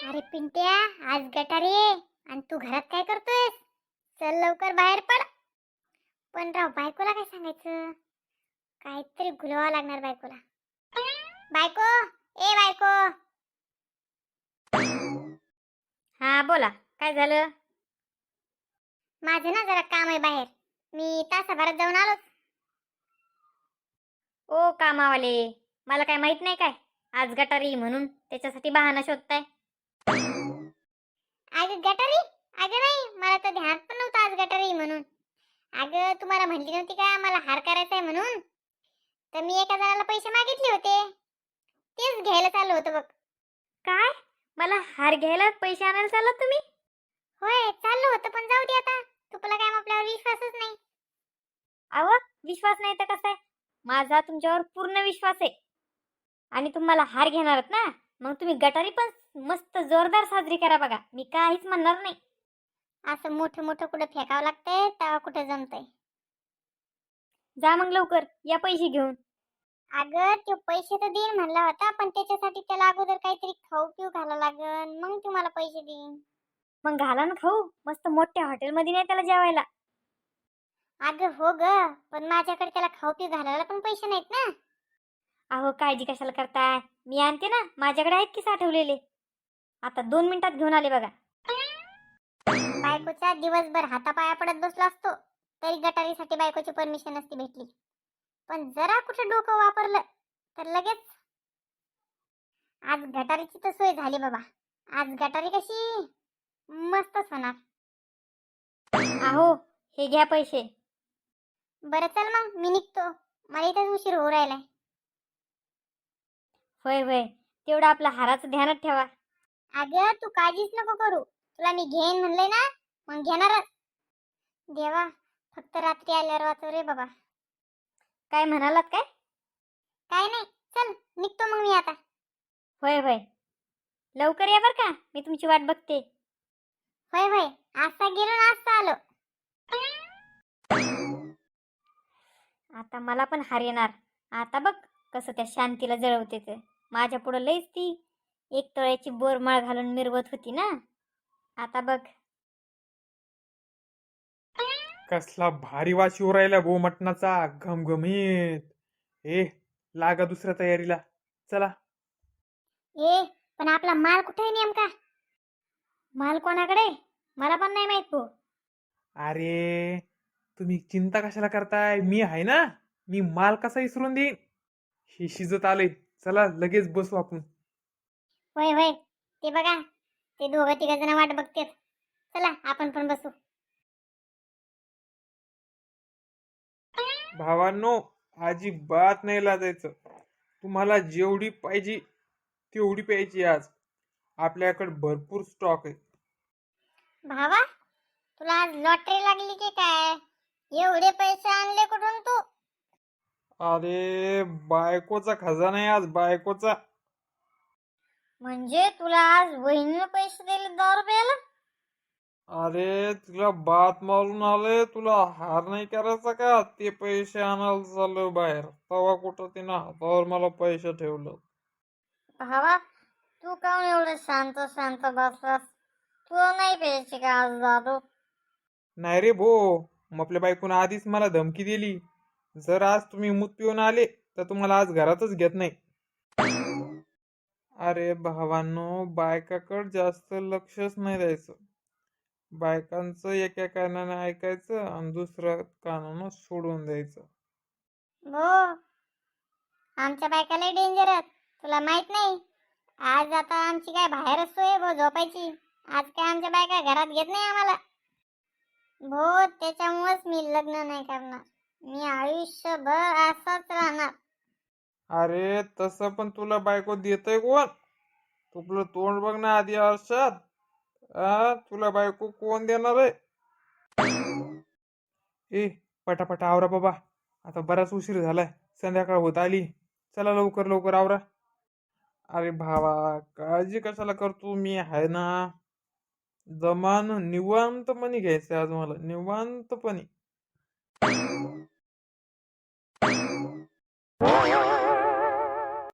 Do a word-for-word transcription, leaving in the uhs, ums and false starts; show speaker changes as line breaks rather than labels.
अरे पिंट्या, आज गटारी आहे आणि तू घरात काय करतोयस? चल लवकर बाहेर पड. पण राव, बायकोला काय सांगायचं? काहीतरी गुलवावं लागणार बायकोला. बायको, ए बायको.
हा बोला, काय झालं?
माझं ना जरा काम आहे बाहेर. मी तासाभरात जाऊन आलो.
ओ कामावाले, मला काय माहित नाही काय आज गटारी म्हणून त्याच्यासाठी बहाणा शोधताय?
अगं गटारी? अगं नाही, मला तर ध्यान पण नव्हतं आज गटारी म्हणून. अगं तुम्हाला म्हणली नव्हती का मला हार करायचा आहे म्हणून? तर मी एका जणाला पैसे मागितले होते, तेच घ्यायला चाललो होतो बघ.
काय? मला हार घ्यायला पैसे आणायला चाललात तुम्ही?
होय चाललो होतं, पण जाऊ दे आता. तुला काय आपल्यावर विश्वासच नाही.
अहो, विश्वास नाही तर कसं आहे? माझा तुमच्यावर पूर्ण विश्वास आहे. आणि तुम्हाला हार घेणार आहात ना, मग तुम्ही गटारी पण मस्त जोरदार साजरी करा बघा. मी काहीच म्हणणार नाही.
असं मोठं मोठं कुठं फेकावं लागतंय तेव्हा कुठं जमतंय.
जा मग लवकर, या पैसे घेऊन.
अगं तो पैसे तर देईन म्हणला होता, पण त्याच्यासाठी त्याला अगोदर काहीतरी खाऊ पिऊ घाला लागन, मग तुम्हाला पैसे देईन.
मग घाला ना खाऊ, मस्त मोठ्या हॉटेलमध्ये नाही त्याला जेवायला.
अगं हो ग, पण माझ्याकडे त्याला खाऊ पिऊ घालायला पण पैसे नाहीत ना.
अहो, काळजी कशाला करताय? मी आणते ना, माझ्याकडे आहेत की साठवलेले. आता दोन मिनिटात घेऊन आले बघा.
बायकोच्या दिवसभर हातापाया पडत बसला असतो तरी गटारीसाठी बायकोची परमिशन नसती भेटली. पण जरा कुठं डोकं वापरलं तर लगेच. आज गटारीची तर सोय झाली बाबा. आज गटारी कशी मस्तच होणार.
अहो, हे घ्या पैसे.
बरं चल मग मी निघतो, मला इथंच उशीर होऊ राहिलाय.
होय होय, तेवढं आपलं हाराचं ध्यानात ठेवा.
अगं तू काळजीच नको करू, तुला मी घेईन म्हणलंय ना, मग घेणारच. देवा, फक्त रात्री आल्यावर वाचव रे बाबा.
काय म्हणालात काय?
काय नाही, चल निघतो मग मी आता.
होय होय, लवकर या बर का, मी तुमची वाट बघते.
होय होय, आजचा गेलो ना आजचा आलो.
आता मला पण हार येणार. आता बघ कसं त्या शांतीला जळवते ते. माझ्या पुढं लईच ती एक तळ्याची बोरमाळ घालून मिरवत होती ना. आता बघ.
कसला भारी वास येऊ राहिला गो मटणाचा, घमघमीत. ए, लागा दुसऱ्या तयारीला, चला.
ए पण आपला माल कुठे आहे नेमका?
माल कोणाकडे? मला पण नाही माहित भाऊ.
अरे तुम्ही चिंता कशाला करताय, मी आहे ना. मी माल कसा विसरून देईन. हे शिजत आले, चला लगेच बसू आपण.
होय होय, ते बघा ते दोघं तिघ जण वाट बघतात. चला आपण पण बसू.
भावांनो, अजिबात नाही लाजायचं. तुम्हाला जेवढी पाहिजे तेवढी प्यायची. आज आपल्याकडे भरपूर स्टॉक आहे.
भावा, तुला आज लॉटरी लागली की काय? एवढे पैसे आणले कुठून तू?
अरे बायकोचा खजाना आहे आज, बायकोचा.
म्हणजे तुला आज वहिनीने पैसे दिले दारू प्यायला?
अरे तुला बात मारून आले, तुला हार नाही करायचा का? ते पैसे आणायला चाललो बाहेर, तेव्हा कुठं तिनं हातावर मला पैसे ठेवलं.
भावा, तू काऊन एवढं शांत शांत बसलास? तू नाही प्यायची का आज दारू?
नाही रे भो, मग आपल्या बायकोनं आधीच मला धमकी दिली, जर आज तुम्ही मूत पिऊन आले तर तुम्हाला आज घरातच घेत नाही. अरे भावांनो, बायकाकडे जास्त लक्षच नाही द्यायचं. बायकांचं एका कानाने ऐकायचं आणि दुसऱ्या कानानं सोडून द्यायचं.
हो, आमच्या बायकाला डेंजरस, तुला माहित नाही. आज आता आमची काय बाहेरच सोय भो झोपायची. आज काय आमच्या बायका घरात घेत नाही आम्हाला भो. त्याच्यामुळेच मी लग्न नाही करणार. मी आयुष्यभर असाच राहणार.
अरे तसं पण तुला बायको देतय कोण? तुला तोंड बघ ना आधी आरशात. आ तुला बायको कोण देणार आहे? ए पटापटा आवरा बाबा, आता बराच उशीर झालाय, संध्याकाळ होत आली. चला लवकर लवकर आवरा. अरे भावा, काळजी कशाला करतो, मी आहे ना. जमान निवांतपणे घ्यायचंय आज मला, निवांतपणे.